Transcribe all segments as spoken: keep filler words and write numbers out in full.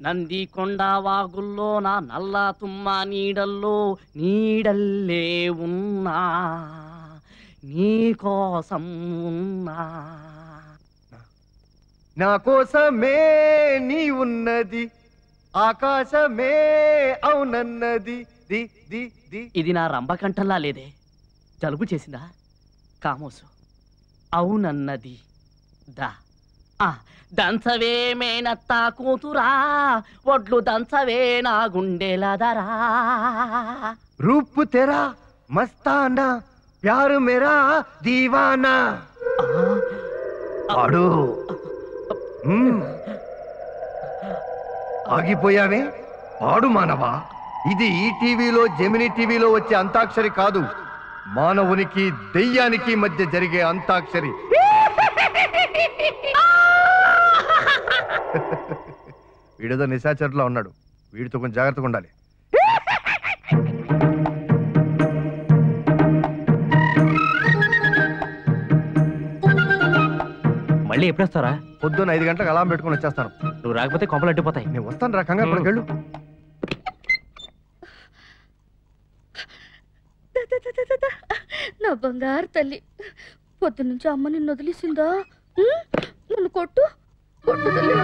నంది కొండ వాగుల్లో నా నల్ల తుమ్మ నీడల్లో నీడల్లే ఉన్నా నీ కోసం ఉన్నా నా కోసమే నీ ఉన్నది ఆకాశమే అవునన్నది ది ది ది ఇది నా రంభకంఠంలా లేదే జలుబు చేసిందా కామోసు అవునన్నది దా దంచవే మేనత్తా కూతురా ఒడ్లు దంచవే నా గుండెలదరా రూప్ తెరా మస్తానా ప్యారు మేరా దీవానా పాడు ఆగిపోయావే పాడు మానవా ఇది ఈ టీవీలో జెమిని టీవీలో వచ్చే అంతాక్షరి కాదు మానవునికి దెయ్యానికి మధ్య జరిగే అంతాక్షరి వీడేదో నిశాచరులో ఉన్నాడు వీడితో కొంచెం జాగ్రత్తగా ఉండాలి మళ్ళీ ఎప్పుడు వస్తారా పొద్దున్న ఐదు గంటలకు అలారం పెట్టుకుని వచ్చేస్తాను నువ్వు రాకపోతే కొంపలు అడ్డిపోతాయి నేను వస్తాను రా కంగారు పడకెళ్ళు నా బంగారు తల్లి పొద్దు నుంచి అమ్మ నిన్ను వదిలేసిందా నన్ను కొట్టు కొట్టు తల్లి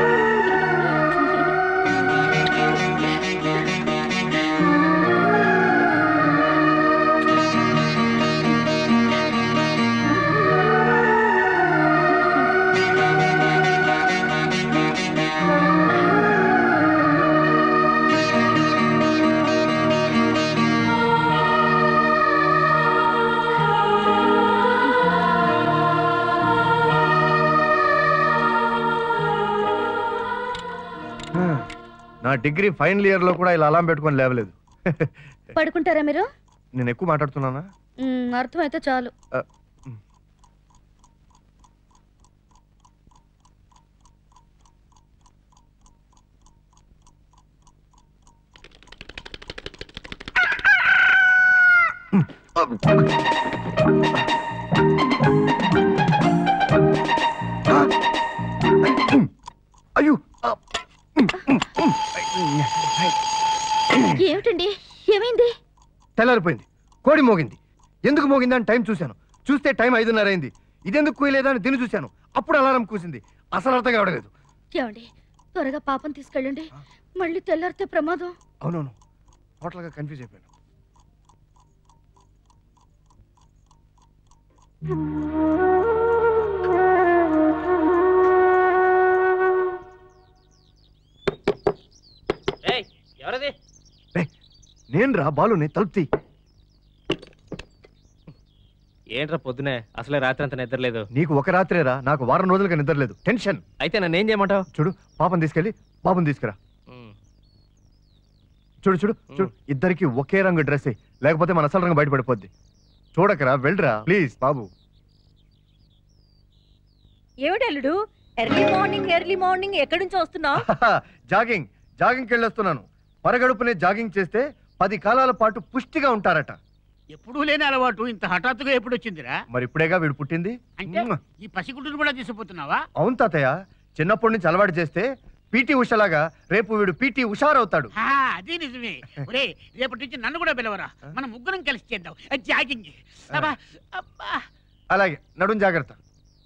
నా డిగ్రీ ఫైనల్ ఇయర్ లో కూడా ఇలా అలారం పెట్టుకొని లేవలేదు పడుకుంటారా మీరు నేను ఎక్కువ మాట్లాడుతున్నానా అర్థమైతే చాలు అయ్యో ఏమిటండి ఏమైంది తెల్లారిపోయింది కోడి మోగింది ఎందుకు మోగింది అని టైం చూశాను చూస్తే టైం ఐదున్నర అయింది ఇదెందుకు కూయలేదా అని దీన్ని చూశాను అప్పుడు అలారం కూసింది అసలు అర్థం కావడలేదు ఏమండి త్వరగా పాపం తీసుకెళ్ళండి మళ్ళీ తెల్లారితే ప్రమాదం అవునవును టోటల్గా కన్ఫ్యూజ్ అయిపోయాను ఎవరది నేను రా బాలుని తలుపుతీ ఏంట్రా పొద్దునే అసలే రాత్రి అంత నిద్రలేదు నీకు ఒక రాత్రేరా నాకు వారం రోజులుగా నిద్రలేదు టెన్షన్ అయితే నన్ను ఏం చేయమంటావు చూడు పాపం తీసుకెళ్ళి పాపం తీసుకురా చూడు చూడు చూడు ఇద్దరికి ఒకే రంగు డ్రెస్ లేకపోతే మన అసలు రంగు బయటపడిపోద్ది చూడకరా వెళ్ళరా ప్లీజ్ బాబు ఏమిటల్లుడు ఎర్లీ మార్నింగ్ ఎర్లీ మార్నింగ్ ఎక్కడి నుంచి వస్తున్నావు జాగింగ్ జాగింగ్కి వెళ్ళొస్తున్నాను పరగడుపునే జాగింగ్ చేస్తే పది కాలాల పాటు పుష్టిగా ఉంటారట ఎప్పుడూ లేని అలవాటు ఇంత హఠాత్తుగా ఎప్పుడు వచ్చిందిరా మరి ఇప్పుడేగా వీడు పుట్టింది అంటే ఈ పసిగుడ్డును కూడా తీసుకుపోతున్నావా అవును తాతయ్య చిన్నప్పటి నుంచి అలవాటు చేస్తే పీటీ ఉషలాగా రేపు వీడు పీటీ ఉషారవుతాడు అది నిజమే ఒరే రేపటి నుంచి నన్ను కూడా పిలవరా మనం ముగ్గురం కలిసి చేద్దాం జాగింగ్ అలాగే నడుం జాగ్రత్త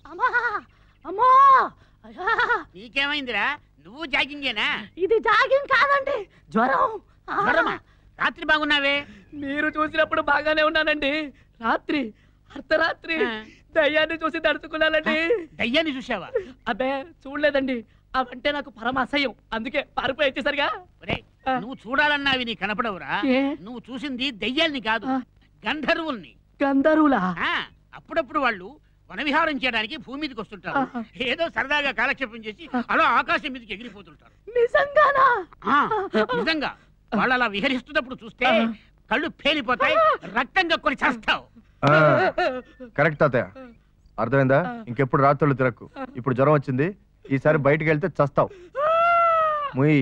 నీకేమైందిరా నువ్వు జాగింగేనా ఇది జాగింగ్ కాదండి జ్వరం జ్వరమా రాత్రి బాగున్నావే మీరు చూసినప్పుడు బాగానే ఉన్నానండి రాత్రి అర్ధరాత్రి దయ్యాన్ని చూసి తడుచుకున్నానండి దయ్యాన్ని చూసావా అబ్బే చూడలేదండి అవంటే నాకు పరమ అసహ్యం అందుకే పారిపోయి వచ్చేసరిగా నువ్వు చూడాలన్నావి నీ కనపడవురా నువ్వు చూసింది దయ్యాల్ని కాదు గంధర్వుల్ని గంధర్వులా అప్పుడప్పుడు వాళ్ళు వనవిహారం చేయడానికి భూమి మీదకి వస్తుంటారు ఏదో సరదాగా కాలక్షేపం చేసి అలా ఆకాశం మీదకి ఎగిరిపోతుంటారు నిజంగానా నిజంగా వాళ్ళు అలా విహరిస్తున్నప్పుడు చూస్తే కళ్ళు పేలిపోతాయి రక్తం కక్కుని చేస్తావు కరెక్ట్ తాతయ్య అర్థమైందా ఇంకెప్పుడు రాత్రులు తిరక్కు ఇప్పుడు జ్వరం వచ్చింది ఈసారి బయటికి వెళ్తే చస్తావు ముయ్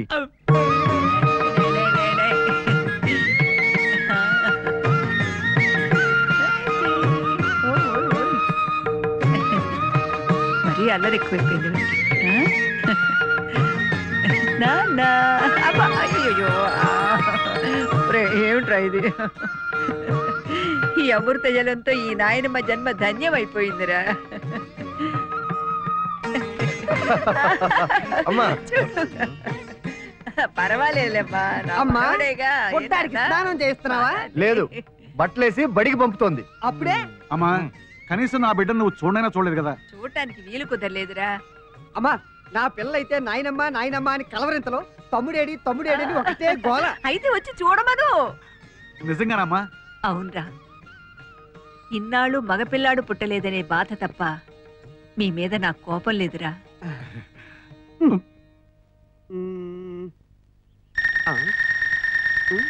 మరీ అల్లరి ఎక్కువైపోయింది నాన్న అబ్బా, అయ్యయ్యో. ఒరే, ఏమిట్రా ఇది? ఈ అమృత జలంతో ఈ నాయనమ్మ జన్మ ధన్యమైపోయిందిరా. అమ్మా పర్వాలేదమ్మా, అమ్మా, పుట్టాడికి స్నానం చేస్తున్నావా? లేదు, బట్టలేసి బడికి పంపుతోంది. అప్పుడే అమ్మా కనీసం నా బిడ్డ నువ్వు చూడైనా చూడలేదు కదా. చూడటానికి వీలు కుదరలేదురా. అమ్మా, నా పిల్ల అయితే నాయనమ్మ నాయనమ్మ అని కలవరింతలో తమ్ముడేడి తమ్ముడేడి అని ఒకటే గోల. అయితే వచ్చి చూడమను. నిజంగానమ్మా? అవునరా, ఇన్నాళ్ళు మగపిల్లాడు పుట్టలేదనే బాధ తప్ప మీ మీద నాకు కోపం లేదురా. ఉమ్. ఆ. ఉమ్.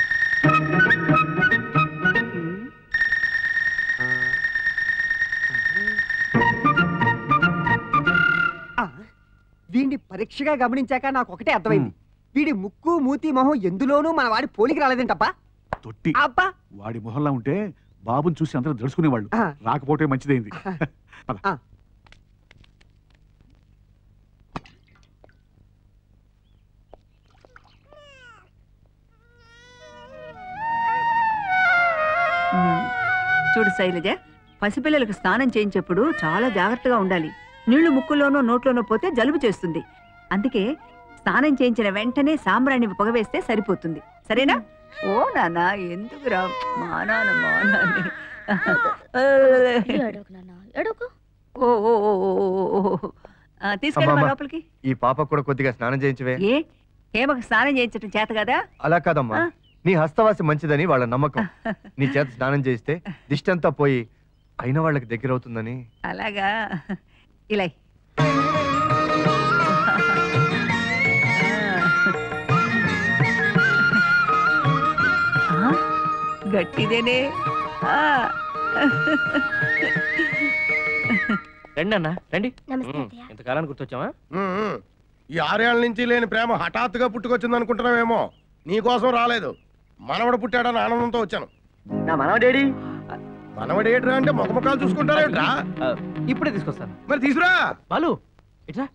ఆ. వీడిని పరీక్షగా గమనించాక నాకు ఒకటే అర్థమైంది. వీడి ముక్కు మూతి మొహం ఎందులోనూ మన వాడి పోలికి రాలేదంటప్పా. తొట్టి అబ్బా, వాడి మొహంలా ఉంటే బాబుని చూసి అందరూ దడుచుకునేవాళ్ళు. ఆ. రాకపోతే మంచిదైంది. పద. ఆ. చూడు శైలజ, పసిపిల్లలకు స్నానం చేయించేప్పుడు చాలా జాగ్రత్తగా ఉండాలి. నీళ్లు ముక్కులోనో నోట్లోనో పోతే జలుబు చేస్తుంది. అందుకే స్నానం చేయించిన వెంటనే సాంబ్రాణి పొగవేస్తే సరిపోతుంది. సరేనా? ఓ నాన్న, ఎందుకురా మా నాన్న మా నాన్న. ఏడవకు నాన్న, ఏడవకు. ఓ ఓ ఓ ఓ ఓ ఓ. ఆ, తీసుకెళ్ళమ్మా అమ్మమ్మ. లోపలికి. ఈ పాప కూడా కొద్దిగా స్నానం చేయించవే. ఏ హేమకు స్నానం చేయించడం చేత కదా? అలా కాదమ్మా, ఆ. నీ హస్తవాసి మంచిదని వాళ్ళ నమ్మకం. నీ చేత స్నానం చేయిస్తే దిష్టి అంతా పోయి అయిన వాళ్ళకి దగ్గర అవుతుందని. అలాగా, ఇలా ఇ. ఆ, గట్టిదేనే. ఆ. రండి అన్న రండి. నమస్తే ఉమ్, అత్తయ్య. ఇంతకాలానికి గుర్తొచ్చావా? ఉమ్, ఈ ఆరేళ్ల నుంచి లేని ప్రేమ హఠాత్తుగా పుట్టుకొచ్చింది అనుకుంటున్నావేమో. నీకోసం రాలేదు, మనవడు పుట్టాడని ఆనందంతో వచ్చాను. నా మనవడేడి? మనవడు ఏట్రా అంటే ముఖముఖాలు చూసుకుంటారేట్రా? ఆ, ఇప్పుడే తీసుకొస్తాను. మరి తీసురా. బాలు ఇట్రా.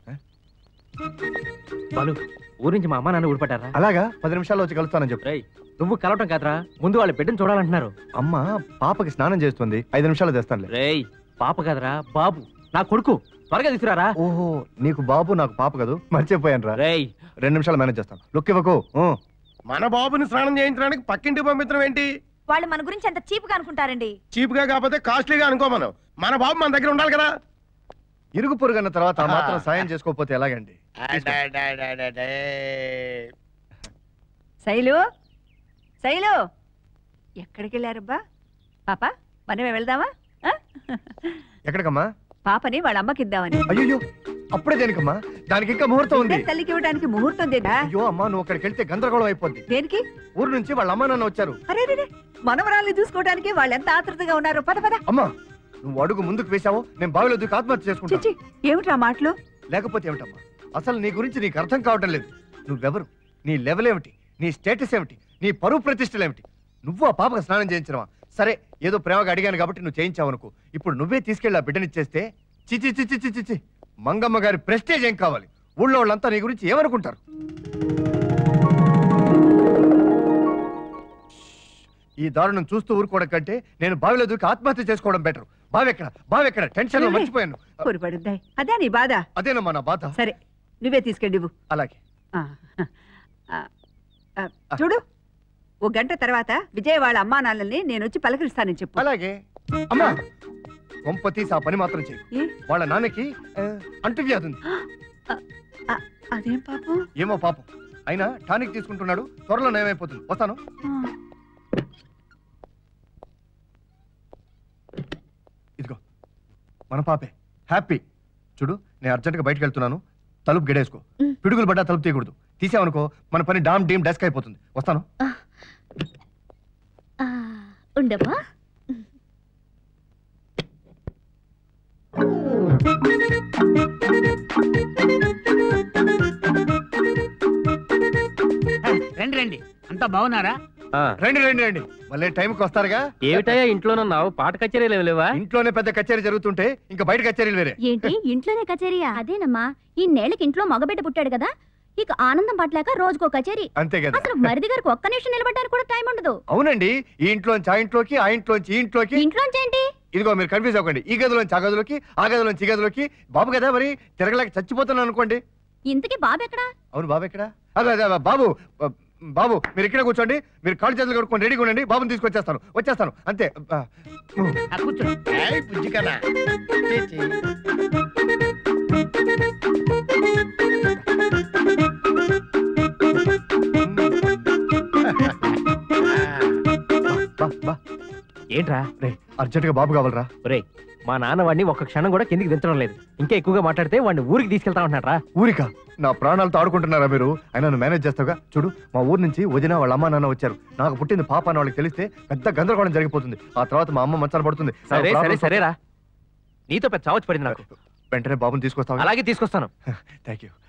బాలు, ఊరి నుంచి మా అమ్మ నాన్న ఊడిపడ్డారా? అలాగా, పది నిమిషాల్లో వచ్చి కలుస్తానని చెప్పు. రేయ్, నువ్వు కలవటం కాదురా, ముందు వాళ్ళ బిడ్డను చూడాలంటున్నారు. అమ్మ పాపకి స్నానం చేస్తుంది, ఐదు నిమిషాలు తెస్తానులే. రేయ్, పాప కాదురా బాబు, నా కొడుకు. త్వరగా తీసుకురారా. ఓహో, నీకు బాబు నాకు పాప కదూ, మర్చిపోయాను రా. రేయ్, రెండు నిమిషాలు మేనేజ్ చేస్తాను, లుక్ ఇవ్వకు. ఊ. మన బాబుని స్నానం చేయించడానికి పక్కింటికి పంపించడం ఏంటి? వాళ్ళు మన గురించి ఎంత చీప్ గా అనుకుంటారండి. చీప్ గా కాకపోతే కాస్ట్లీగా అనుకో. మనం మన బాబు మన దగ్గర ఉండాలి కదా. ఇరుగు పొరుగన్న తర్వాత ఆ మాత్రం సాయం చేసుకోకపోతే ఎలాగండి? శైలు, శైలు, ఎక్కడికి వెళ్ళారబ్బా? పాప, మనమే వెళ్దామా? ఆ? ఎక్కడికమ్మా? పాపని వాళ్ళ అమ్మకి ఇద్దామని. అయ్యో, అప్పుడే దేనికమ్మా? దానికి ఇంకా ముహూర్తం ఉంది. తల్లికి ఇవ్వడానికి ముహూర్తం దేనా? అయ్యో అమ్మా, నువ్వు అక్కడికి వెళ్తే గందరగోళం అయిపోద్ది. దేనికి? ఊరు నుంచి వాళ్ళ అమ్మా నాన్న వచ్చారు. అరే రే, మనవరాల్ని చూసుకోవడానికి వాళ్ళు ఎంత ఆతృతగా ఉన్నారు. పద పద. అమ్మా, నువ్వు అడుగు ముందుకు వేశావో నేను బావిలో దూకి ఆత్మహత్య చేసుకుంటా. చిచ్చి, ఏమిట్రా మాటలు? లేకపోతే ఏమిటమ్మా, అసలు నీ గురించి నీకు అర్థం కావటం లేదు. నువ్వెవరు, నీ లెవెల్ ఏమిటి, నీ స్టేటస్ ఏమిటి, నీ పరువు ప్రతిష్టలు ఏమిటి? నువ్వు ఆ పాపకు స్నానం చేయించడమా? సరే, ఏదో ప్రేమగా అడిగాను కాబట్టి నువ్వు చేయించావు అనుకో. ఇప్పుడు నువ్వే తీసుకెళ్ళి ఆ బిడ్డనిచ్చేస్తే చిచి చిచి చిచి చిచి మంగమ్మ గారి ప్రెస్టేజ్ ఏం కావాలి? ఊళ్ళో వాళ్ళంతా నీ గురించి ఏమనుకుంటారు? ఈ దారుణం చూస్తూ ఊరుకోవడం కంటే నేను బావిలో దూకి ఆత్మహత్య చేసుకోవడం బెటర్. బావెక్కడ బావెక్కడ టెన్షన్ లో మర్చిపోయాను. పొరపడుద్దాయి, అదే నీ బాధ. అదేనమ్మా నా బాధ. సరే, నువ్వే తీసుకెళ్ళి. అలాగే. ఆ, ఆ, ఆ, చూడు, ఓ గంట తర్వాత విజయ్ వాళ్ళ అమ్మా నాన్నల్ని నేను వచ్చి పలకరిస్తానని చెప్పు. అలాగే. అమ్మా, కొంప తీసి ఆ పని మాత్రం చెయ్యి. ఏ? వాళ్ళ నాన్నకి ఆ, అంటువ్యాధి ఉంది. ఆ, అదేం పాపం? ఏమో పాపం, అయినా టానిక్ తీసుకుంటున్నాడు, త్వరలో నయమైపోతుంది. వస్తాను. ఆ. ఇదిగో మన పాపే, హ్యాపీ. చూడు, నేను అర్జెంట్గా బయటకు వెళ్తున్నాను, తలుపు గెడేసుకో. పిడుగులు పడ్డా తలుపు తీయకూడదు. తీసావనుకో మన పని డామ్ డీమ్ డెస్క్ అయిపోతుంది. వస్తాను. ఉండమ్మా. రండి రండి, అంతా బాగున్నారా? రండి రండి రండి, మళ్ళీ టైంకి వస్తారుగా. ఏమిటయ్యా ఇంట్లోనున్నావు? పాట కచేరీలు లేవా? ఇంట్లోనే పెద్ద కచేరీ జరుగుతుంటే ఇంకా బయట కచేరీలు వేరే. ఏంటి ఇంట్లోనే కచేరియా? అదేనమ్మా, ఈ నేలకి ఇంట్లో మగబిడ్డ పుట్టాడు కదా, ఇక ఆనందం పట్టలేక రోజుకో కచేరీ. అంతే కదా. అసలు మరిది గారికి ఒక్క నిమిషం నిలబడడానికి కూడా టైం ఉండదు. అవునండి, ఈ ఇంట్లోంచి ఆ ఇంట్లోకి, ఆ ఇంట్లోంచి ఈ ఇంట్లోకి. ఇంట్లోంచి ఏంటి? ఇదిగో మీరు కన్ఫ్యూజ్ అవ్వకండి. ఈ గదిలోంచి ఆ గదిలోకి, ఆ గదిలోంచి ఈ గదిలోకి. బాబు కదా మరి, తిరగలేక చచ్చిపోతున్నాను అనుకోండి. ఇంతకీ బాబు ఎక్కడా? అవును, బాబు ఎక్కడా? అదే అదే బాబు బాబు మీరు ఇక్కడ కూర్చోండి. మీరు కాళ్ళు చేతులు కడుక్కొని రెడీగా ఉండండి. బాబుని తీసుకొచ్చేస్తాను, వచ్చేస్తాను అంతే. కూర్చో. ఏయ్, బుజ్జి కదా. చీ, చీ. బా, బా. ఏంట్రా? రే అర్జెంటుగా బాబు కావాలరా. ఒరేయ్, మా నాన్న వాడిని ఒక్క క్షణం కూడా కిందికి దించడం లేదు. ఇంకా ఎక్కువగా మాట్లాడితే వాడిని ఊరికి తీసుకెళ్తా ఉంటున్నారా? ఊరికా? నా ప్రాణాలతో ఆడుకుంటున్నారా మీరు? అయినా నువ్వు మేనేజ్ చేస్తావుగా. చూడు, మా ఊరు నుంచి వదిన వాళ్ళ అమ్మ నాన్న వచ్చారు. నాకు పుట్టింది పాప అని వాళ్ళకి తెలిస్తే పెద్ద గందరగోళం జరిగిపోతుంది. ఆ తర్వాత మా అమ్మ మంచాలు పడుతుంది. సరే సరే సరేరా, నీతో పెద్ద చావచ్చు పడింది నాకు. వెంటనే బాబుని తీసుకొస్తావు? అలాగే తీసుకొస్తాను. Thank you.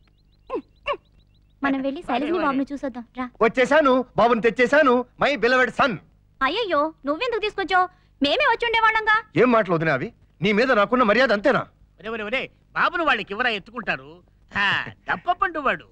మనం వెళ్ళి శైలజని బాబుని చూసొద్దాం రా. వచ్చేసాను, బాబుని తెచ్చేసాను. My beloved sun. అయ్యయ్యో, నువ్వెందుకు తీసుకొచ్చావు? మేమే వచ్చి ఉండేవాళ్ళంగా. ఏం మాటలు వదినా అవి? నీ మీద నాకున్న మర్యాద అంతేనా? ఒరే ఒరే ఒరే, బాబును వాళ్ళకి ఎవరా ఎత్తుకుంటారు? తప్పపండు వాడు.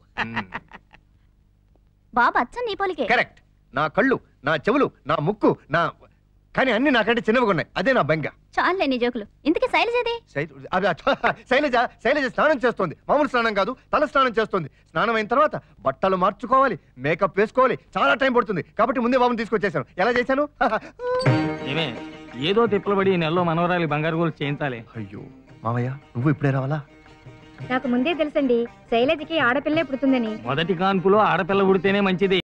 బాబు అచ్చం నీ పోలికే. కరెక్ట్. నా కళ్ళు, నా చెవులు, నా ముక్కు, నా కానీ అన్ని నాకంటే చిన్నవిగా ఉన్నాయి. అదే నా బెంగ. చాలే నీ జోకులు. ఇంతకీ శైలజది? అది శైలజ శైలజ స్నానం చేస్తోంది. మామూలు స్నానం కాదు, తల స్నానం చేస్తుంది. స్నానం అయిన తర్వాత బట్టలు మార్చుకోవాలి, మేకప్ వేసుకోవాలి, చాలా టైం పడుతుంది. కాబట్టి ముందే బాబుని తీసుకొచ్చేసాను. ఎలా చేశాను? ఏమే, ఏదో తిప్పలబడి ఈ నెలలో మనవరాలి బంగారు గోలు చేయించాలి. అయ్యో మామయ్య, నువ్వు ఇప్పుడే రావాలా? నాకు ముందే తెలుసండి శైలజకి ఆడపిల్లే పుడుతుందని. మొదటి కాన్పులో ఆడపిల్ల పుడితేనే మంచిది.